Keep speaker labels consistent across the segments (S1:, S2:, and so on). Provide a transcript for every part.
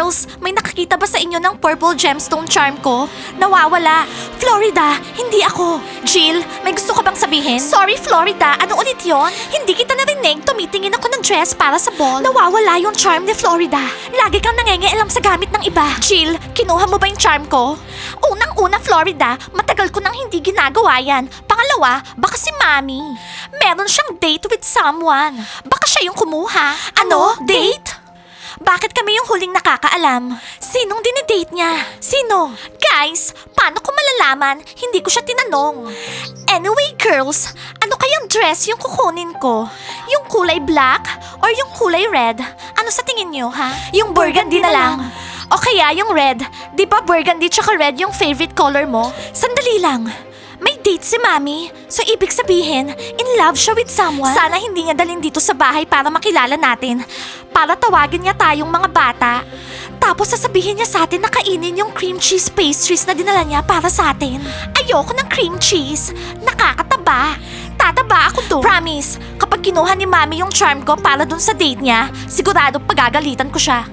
S1: Girls, may nakakita ba sa inyo ng purple gemstone charm ko? Nawawala. Florida, hindi ako. Jill, may gusto ka bang sabihin? Sorry, Florida. Ano ulit yon? Hindi kita narinig. Tumitingin ako ng dress para sa ball. Nawawala yung charm ni Florida. Lagi kang nangengialam sa gamit ng iba. Jill, kinuha mo ba yung charm ko? Unang-una, Florida, matagal ko nang hindi ginagawa yan. Pangalawa, baka si Mami. Meron siyang date with someone. Baka siya yung kumuha. Ano? Date? Bakit kami yung huling nakakaalam? Sinong dinidate niya? Sino? Guys, paano ko malalaman? Hindi ko siya tinanong. Anyway, girls, ano kayang dress yung kukunin ko? Yung kulay black or yung kulay red? Ano sa tingin niyo, ha? Yung burgundy na lang. O kaya yung red. Di ba burgundy tsaka red yung favorite color mo? Sandali lang. May date si Mami. So ibig sabihin, in love siya with someone? Sana hindi niya dalhin dito sa bahay para makilala natin. Para tawagin niya tayong mga bata. Tapos sasabihin niya sa atin na kainin yung cream cheese pastries na dinala niya para sa atin. Ayoko ng cream cheese. Nakakataba. Tataba ako doon. Promise, kapag kinuha ni Mami yung charm ko para dun sa date niya, sigurado pagagalitan ko siya.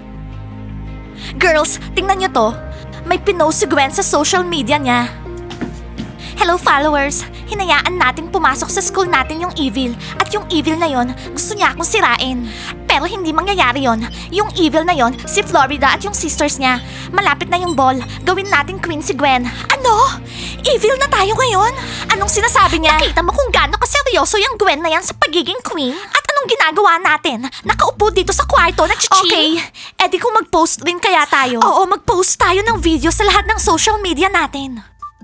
S1: Girls, tingnan niyo to. May pinost si Gwen sa social media niya. Hello followers! Hinayaan nating pumasok sa school natin yung evil. At yung evil na yon, gusto niya akong sirain. Pero hindi mangyayari yon. Yung evil na yon, si Florida at yung sisters niya. Malapit na yung ball. Gawin nating queen si Gwen. Ano? Evil na tayo ngayon? Anong sinasabi niya? Nakita mo kung gaano kaseryoso yung Gwen na yan sa pagiging queen? At anong ginagawa natin? Nakaupo dito sa kwarto, nag-chill? Okay, edi kung mag-post rin kaya tayo? Oo, mag-post tayo ng video sa lahat ng social media natin.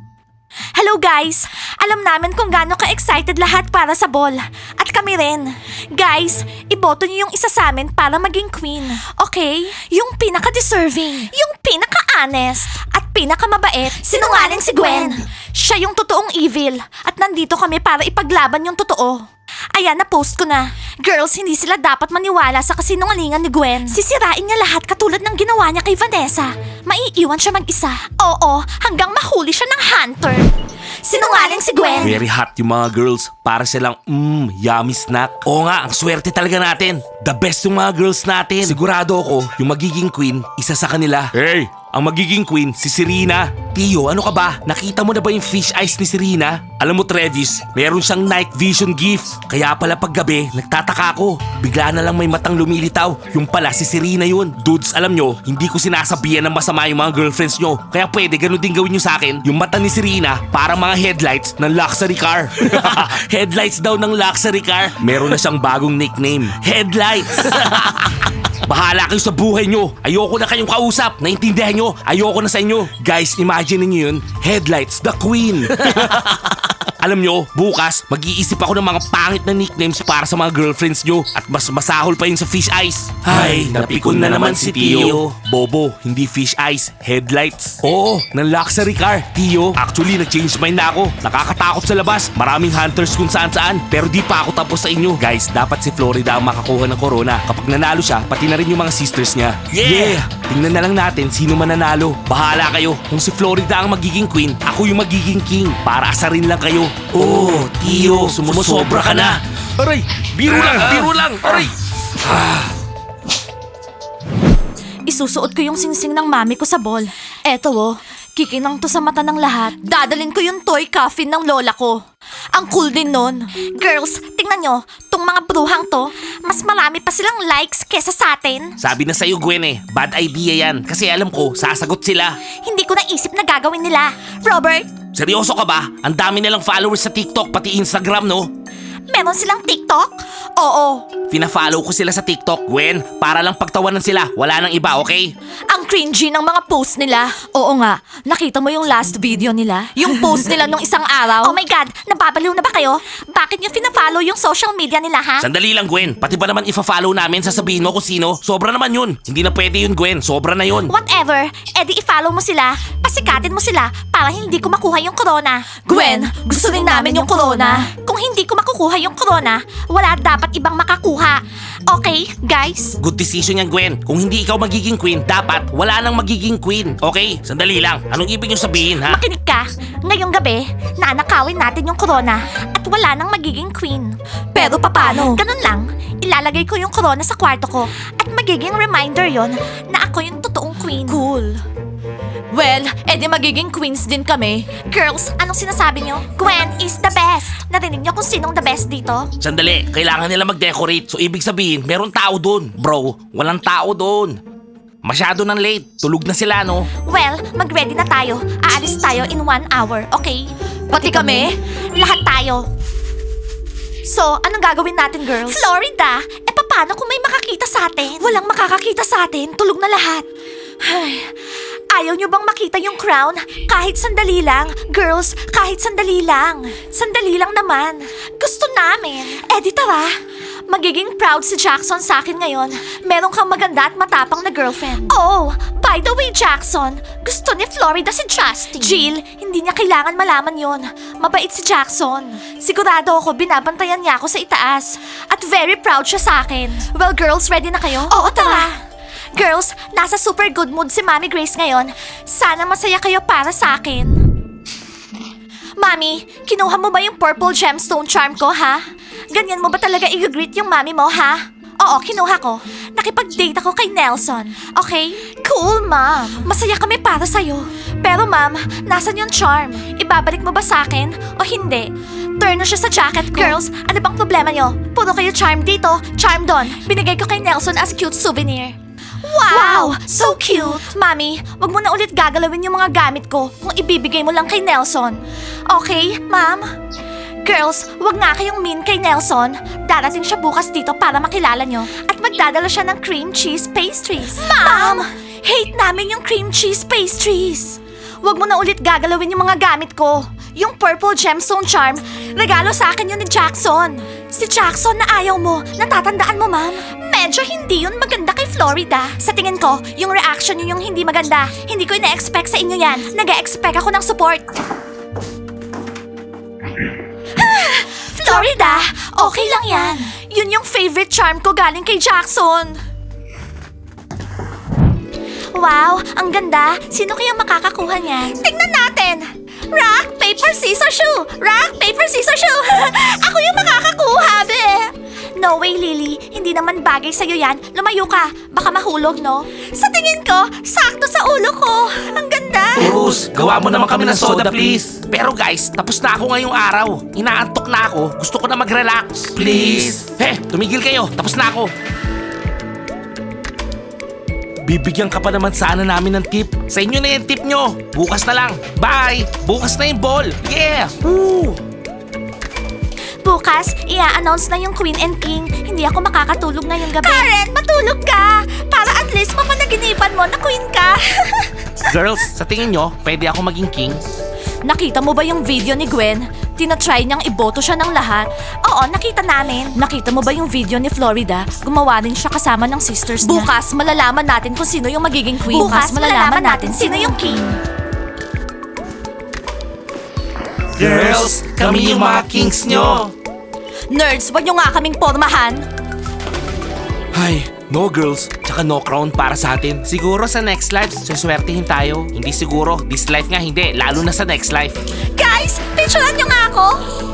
S1: Hello guys! Alam namin kung gaano ka-excited lahat para sa ball. At kami rin. Guys, iboto niyo yung isa sa amin para maging queen. Okay? Yung pinaka-deserving. Yung pinaka-honest. At pinaka-mabait. Sinungaling si Gwen. Siya yung totoong evil. At nandito kami para ipaglaban yung totoo. Ayan, na-post ko na. Girls, hindi sila dapat maniwala sa kasinungalingan ni Gwen. Sisirain niya lahat katulad ng ginawa niya kay Vanessa. Maiiwan siya mag-isa. Oo, hanggang mahuli siya ng hunter. Sinungaling si Gwen.
S2: Very hot yung mga girls. Para silang, yummy snack. Oo nga, ang swerte talaga natin. The best yung mga girls natin. Sigurado ako, yung magiging queen, isa sa kanila. Hey! Ang magiging queen, si Serena. Tio, ano ka ba? Nakita mo na ba yung fish eyes ni Serena? Alam mo, Travis, meron siyang night vision gift. Kaya pala paggabi, nagtataka ako. Bigla na lang may matang lumilitaw. Yung pala, si Serena yun. Dudes, alam nyo, hindi ko sinasabihan ng masama yung mga girlfriends nyo. Kaya pwede, ganun din gawin nyo sa akin. Yung mata ni Serena, para mga headlights ng luxury car. Headlights daw ng luxury car. Meron na siyang bagong nickname. Headlights. Bahala kayo sa buhay nyo. Ayoko na kayong kausap. Naintindihan nyo? Ayoko na sa inyo. Guys, imagine niyo yun. Headlights, the queen. Alam nyo, bukas, mag-iisip ako ng mga pangit na nicknames para sa mga girlfriends nyo. At mas masahol pa yun sa fish eyes. Ay, napikon na naman si Tio. Bobo, hindi fish eyes, headlights. Oo, ng luxury car. Tio, actually, nag-change mind na ako. Nakakatakot sa labas. Maraming hunters kung saan-saan. Pero di pa ako tapos sa inyo. Guys, dapat si Florida ang makakuha ng corona. Kapag nanalo siya, pati na rin yung mga sisters niya. Yeah! Tingnan na lang natin sino mananalo. Bahala kayo. Kung si Florida ang magiging queen, ako yung magiging king. Para asarin lang kayo. Oh, Tio, sumusobra ka na. Aray, biro lang, aray.
S1: Isusuot ko yung singsing ng mami ko sa ball. Eto oh, kikinang to sa mata ng lahat. Dadalin ko yung toy coffin ng lola ko. Ang cool din nun. Girls, tingnan nyo, tong mga bruhang to, mas marami pa silang likes kesa sa atin.
S2: Sabi na sa'yo, Gwen bad idea yan. Kasi alam ko, sasagot sila.
S1: Hindi ko naisip na gagawin nila. Robert,
S2: Seryoso ka ba? Ang dami nilang followers sa TikTok, pati Instagram, no?
S1: meron silang TikTok? Oo.
S2: Fina-follow ko sila sa TikTok, Gwen. Para lang pagtawanan sila. Wala nang iba, okay?
S1: Ang cringy ng mga post nila. Oo nga, nakita mo yung last video nila? Yung post nila nung isang araw? Oh my God, nababaliw na ba kayo? Bakit nyo fina-follow yung social media nila, ha?
S2: Sandali lang, Gwen. Pati ba naman ifa-follow namin, sasabihin mo kung sino? Sobra naman yun. Hindi na pwede yun, Gwen. Sobra na yun.
S1: Whatever, edi i-follow mo sila, pasikatin mo sila para hindi ko makuha yung corona. Gwen, gusto rin namin yung corona. Kung Kung hindi ko makukuha yung corona, wala dapat ibang makakuha. Okay, guys?
S2: Good decision yan, Gwen. Kung hindi ikaw magiging queen, dapat wala nang magiging queen. Okay? Sandali lang. Anong ibig nyo sabihin, ha?
S1: Makinig ka. Ngayong gabi, nanakawin natin yung corona at wala nang magiging queen. Pero papano? Ganun lang. Ilalagay ko yung corona sa kwarto ko at magiging reminder yon na ako yung totoong queen. Cool. Well, edi magiging queens din kami. Girls, anong sinasabi nyo? Gwen is the best. Narinig nyo kung sinong the best dito?
S2: Sandali. Kailangan nila mag-decorate. So, ibig sabihin, meron tao doon. Bro, walang tao doon. Masyado nang late. Tulog na sila, no?
S1: Well, mag-ready na tayo. Aalis tayo in 1 hour, okay? Pati kami? Lahat tayo. So, anong gagawin natin, girls? Florida! Eh, paano kung may makakita sa atin? Walang makakakita sa atin. Tulog na lahat. Ay, ayaw nyo bang makita yung crown? Kahit sandali lang. Girls, kahit sandali lang. Sandali lang naman. Gusto namin. Eh, di tara. Magiging proud si Jackson sa akin ngayon. Meron kang maganda at matapang na girlfriend. Oh, by the way, Jackson, gusto ni Florida si Justin. Jill, hindi niya kailangan malaman yon. Mabait si Jackson. Sigurado ako binabantayan niya ako sa itaas. At very proud siya sa akin. Well, girls, ready na kayo? Oo, tara. Girls, nasa super good mood si Mami Grace ngayon. Sana masaya kayo para sa akin. Mami, kinuha mo ba yung purple gemstone charm ko, ha? Ganyan mo ba talaga i-greet yung mami mo, ha? Oo, kinuha ko. Nakipag-date ako kay Nelson. Okay? Cool, ma'am. Masaya kami para sa'yo. Pero ma'am, nasan yung charm? Ibabalik mo ba sa akin o hindi? Turn na siya sa jacket ko. Girls, ano bang problema nyo? Puro kayo charm dito, charm doon. Binigay ko kay Nelson as cute souvenir. Wow! So cute! Mami, wag mo na ulit gagalawin yung mga gamit ko kung ibibigay mo lang kay Nelson. Okay, ma'am? Girls, wag nga kayong mean kay Nelson. Darating siya bukas dito para makilala nyo. At magdadala siya ng cream cheese pastries. Ma'am! Hate namin yung cream cheese pastries. Wag mo na ulit gagalawin yung mga gamit ko. Yung purple gemstone charm, regalo sa akin yun ni Jackson. Si Jackson na ayaw mo, natatandaan mo, ma'am? Medyo hindi yun maganda kay Florida. Sa tingin ko, yung reaction yun yung hindi maganda. Hindi ko ina-expect sa inyo yan. Nag-expect ako ng support. Florida, okay lang yan. Yun yung favorite charm ko galing kay Jackson. Wow, ang ganda. Sino kaya makakakuha niyan? Tingnan natin. Rock, paper, scissors, shoe. Rock, paper, scissors, shoe. Ako yung makakakuha, be. No way, Lily. Hindi naman bagay sa'yo yan. Lumayo ka. Baka mahulog, no? Sa tingin ko, sakto sa ulo ko. Ang ganda.
S2: Bruce, gawa mo naman kami ng soda, please. Pero guys, tapos na ako ngayong araw. Inaantok na ako. Gusto ko na mag-relax. Please. Tumigil kayo. Tapos na ako. Bibigyan ka pa naman sana namin ng tip. Sa inyo na yung tip nyo. Bukas na lang. Bye! Bukas na yung ball. Yeah! Woo!
S1: Bukas, i-announce na yung Queen and King. Hindi ako makakatulog ngayong gabi. Karen, matulog ka! Para at least mapanaginipan mo na queen ka.
S2: Girls, sa tingin nyo, pwede ako maging king?
S1: Nakita mo ba yung video ni Gwen? Tinatry niyang iboto siya ng lahat. Oo, nakita namin. Nakita mo ba yung video ni Florida? Gumawa rin siya kasama ng sisters niya. Bukas, malalaman natin kung sino yung magiging queen. Bukas, malalaman natin sino yung king.
S2: Girls, kami yung mga kings nyo.
S1: Nerds, wag niyo nga kaming pormahan.
S2: Ay, no girls, tsaka no crown para sa atin. Siguro sa next life, suswertihin tayo. Hindi siguro, this life nga hindi, lalo na sa next life.
S1: Guys, picturean niyo nga ako.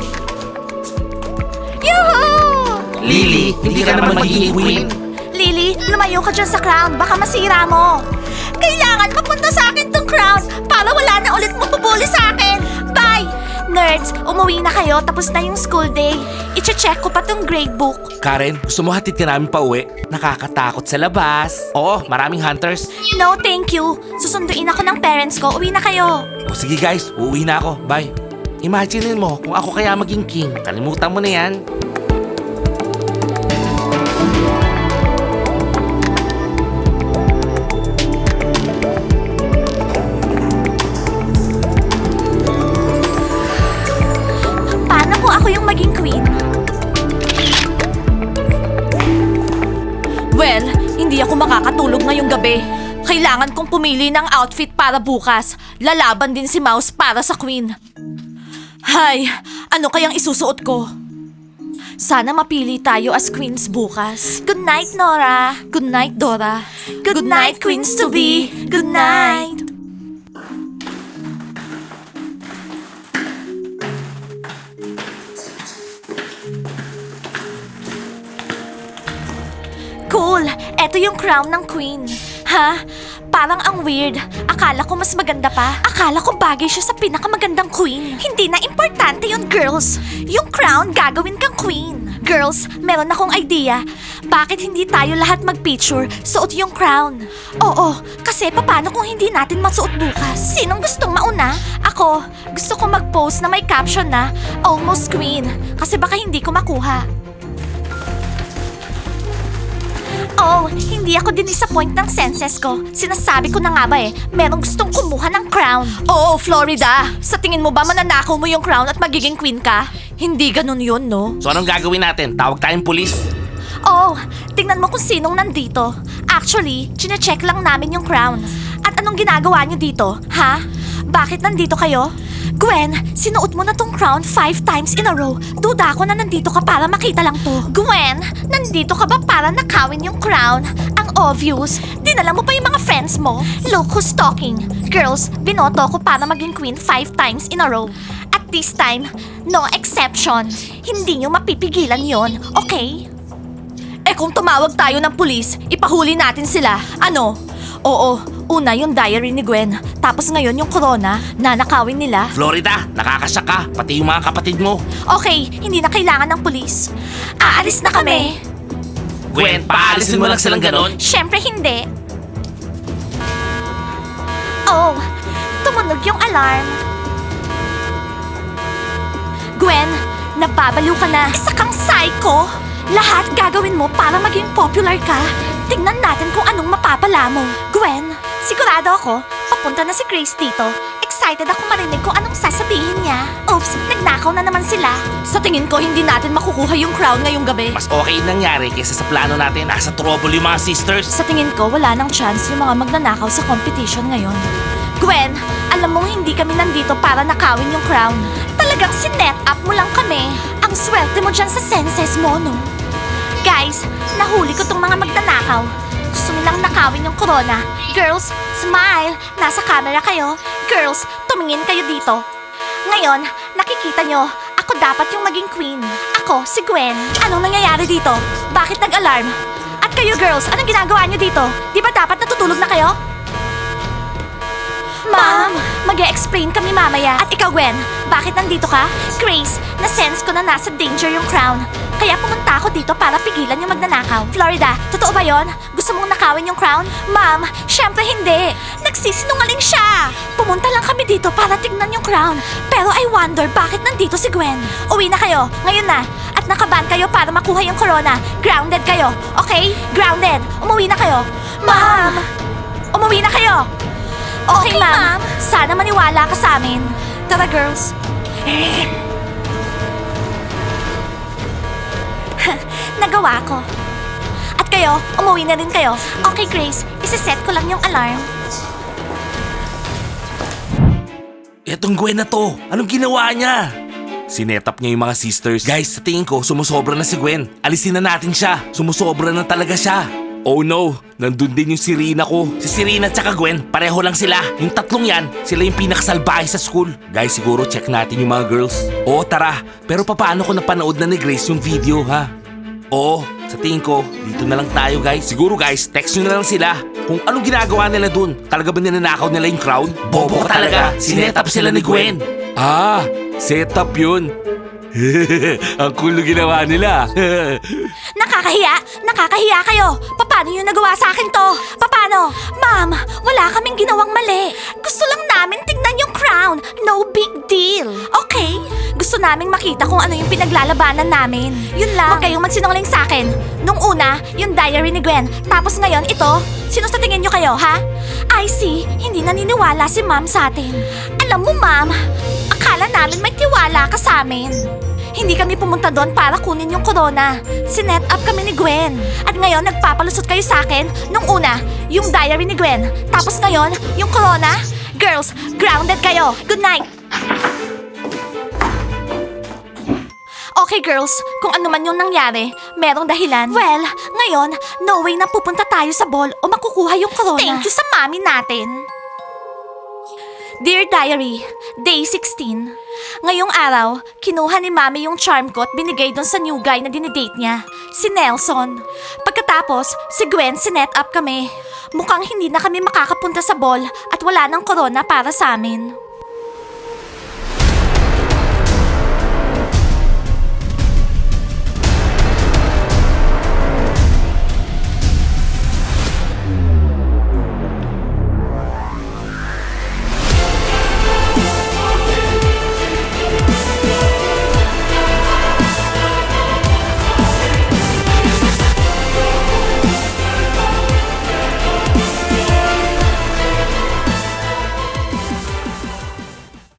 S1: Yuhuu!
S2: Lily, hindi ka naman magiging queen.
S1: Lily, lumayo ka dyan sa crown. Baka masira mo. Kailangan mapunta sa akin tong crown para wala na ulit mapupuli sa akin. Bye! Nerds, umuwi na kayo tapos na yung school day. Iche-check ko pa tong gradebook.
S2: Karen, gusto mo hatid ka namin pa uwi? Nakakatakot sa labas. Oo, maraming hunters.
S1: No, thank you. Susunduin ako ng parents ko. Uwi na kayo.
S2: O sige guys, uuwi na ako. Bye. Imaginein mo kung ako kaya maging king. Kalimutan mo na yan.
S1: Paano kung ako yung maging queen? Well, hindi ako makakatulog ngayong gabi. Kailangan kong pumili ng outfit para bukas. Lalaban din si Mouse para sa queen. Hay, ano kayang isusuot ko? Sana mapili tayo as queens bukas. Good night, Nora. Good night, Dora. Good night, queens to be. Good night. Cool! Eto yung crown ng queen. Ha? Parang ang weird. Akala ko mas maganda pa. Akala ko bagay siya sa pinakamagandang queen. Hindi na importante yun, girls. Yung crown, gagawin kang queen. Girls, meron akong idea. Bakit hindi tayo lahat mag-picture, suot yung crown? Oo, kasi paano kung hindi natin masuot bukas? Sinong gustong mauna? Ako, gusto ko mag-post na may caption na Almost Queen. Kasi baka hindi ko makuha. Oh, hindi ako din-disappoint ng senses ko. Sinasabi ko na nga ba merong gustong kumuha ng crown. Oo, Florida. Sa tingin mo ba mananakaw mo yung crown at magiging queen ka? Hindi ganun yun, no?
S2: So anong gagawin natin? Tawag tayong pulis?
S1: Oh, tingnan mo kung sinong nandito. Actually, chine-check lang namin yung crown. At anong ginagawa niyo dito, ha? Bakit nandito kayo? Gwen, sinuot mo na tong crown 5 times in a row. Duda ako na nandito ka para makita lang to. Gwen, nandito ka ba para nakawin yung crown? Ang obvious. Dinala mo pa yung mga friends mo. Look who's talking. Girls, binoto ko para maging queen 5 times in a row. At this time, no exception. Hindi nyo mapipigilan yon, okay? Eh kung tumawag tayo ng pulis, ipahuli natin sila. Ano? Oo, una yung diary ni Gwen. Tapos ngayon yung corona, nanakawin nila.
S2: Florida, nakakasya ka. Pati yung mga kapatid mo.
S1: Okay, hindi na kailangan ng pulis. Aalis na kami.
S2: Gwen, paalisin mo lang silang ganon.
S1: Siyempre hindi. Oh, tumunog yung alarm. Gwen, nababaliw ka na. Isa kang psycho. Lahat gagawin mo para maging popular ka. Tingnan natin kung anong mapapala mo. Gwen, sigurado ako, papunta na si Grace dito. Excited ako marinig kung anong sasabihin niya. Oops, nagnakaw na naman sila. Sa tingin ko, hindi natin makukuha yung crown ngayong gabi.
S2: Mas okay yung nangyari kaysa sa plano natin. Nasa trouble yung mga sisters.
S1: Sa tingin ko, wala nang chance yung mga magnanakaw sa competition ngayon. Gwen, alam mong hindi kami nandito para nakawin yung crown. Talagang sinet up mo lang kami. Ang swerte mo dyan sa senses mo, no? Guys, nahuli ko tong mga magnanakaw. Gusto nilang nakawin yung corona. Girls, smile! Nasa camera kayo. Girls, tumingin kayo dito. Ngayon, nakikita nyo, ako dapat yung maging queen. Ako, si Gwen. Anong nangyayari dito? Bakit nag-alarm? At kayo girls, anong ginagawa nyo dito? Di ba dapat natutulog na kayo? Ma'am, mag-e-explain kami mamaya. At ikaw, Gwen, bakit nandito ka? Grace, na-sense ko na nasa danger yung crown. Kaya pumunta ako dito para pigilan yung magnanakaw. Florida, totoo ba yon? Gusto mong nakawin yung crown? Ma'am, syempre hindi. Nagsisinungaling siya. Pumunta lang kami dito para tignan yung crown. Pero I wonder bakit nandito si Gwen. Uwi na kayo, ngayon na. At nakaban kayo para makuha yung corona. Grounded kayo, okay? Grounded. Umuwi na kayo. Ma'am! Umuwi na kayo. Okay, ma'am. Sana maniwala ka sa amin. Tara, girls. Nagawa ko. At kayo, umuwi na rin kayo. Okay, Grace. Isiset ko lang yung alarm.
S2: Etong Gwen na to, anong ginawa niya? Sinetap niya yung mga sisters. Guys, sa tingin ko, sumusobra na si Gwen. Alisin na natin siya. Sumusobra na talaga siya. Oh no, nandun din yung Serena ko. Si Serena at saka Gwen, pareho lang sila. Yung tatlong yan, sila yung pinakasalbahe sa school. Guys, siguro check natin yung mga girls. Oo, tara. Pero paano ko napanood na ni Grace yung video, ha? Oo, sa tingin ko, dito na lang tayo guys. Siguro guys, text nyo na lang sila kung anong ginagawa nila dun. Talaga ba ninanakaw nila yung crown? Bobo ka talaga, sinetap sila ni Gwen. Ah, setup yun. Ang cool na ginawa nila.
S1: Nakakahiya! Nakakahiya kayo! Paano yung nagawa sa akin to? Paano? Ma'am, wala kaming ginawang mali. Gusto lang namin tignan yung crown. No big deal. Okay? Gusto naming makita kung ano yung pinaglalabanan namin. Yun lang. Huwag kayong magsinungaling sa akin. Nung una, yung diary ni Gwen. Tapos ngayon, ito. Sino sa tingin nyo kayo, ha? I see. Hindi naniniwala si ma'am sa atin. Alam mo, ma'am, akala namin may tiwala ka sa amin. Hindi kami pumunta doon para kunin yung corona. Sinet up kami ni Gwen. At ngayon, nagpapalusot kayo sa akin. Nung una, yung diary ni Gwen. Tapos ngayon, yung corona. Girls, grounded kayo. Good night. Okay girls, kung ano man yung nangyari, merong dahilan. Well, ngayon, no way na pupunta tayo sa ball o makukuha yung corona. Thank you sa mami natin. Dear Diary, Day 16. Ngayong araw, kinuha ni Mami yung charm ko at binigay doon sa new guy na dinidate niya, si Nelson. Pagkatapos, si Gwen sinet up kami. Mukhang hindi na kami makakapunta sa ball at wala ng corona para sa amin.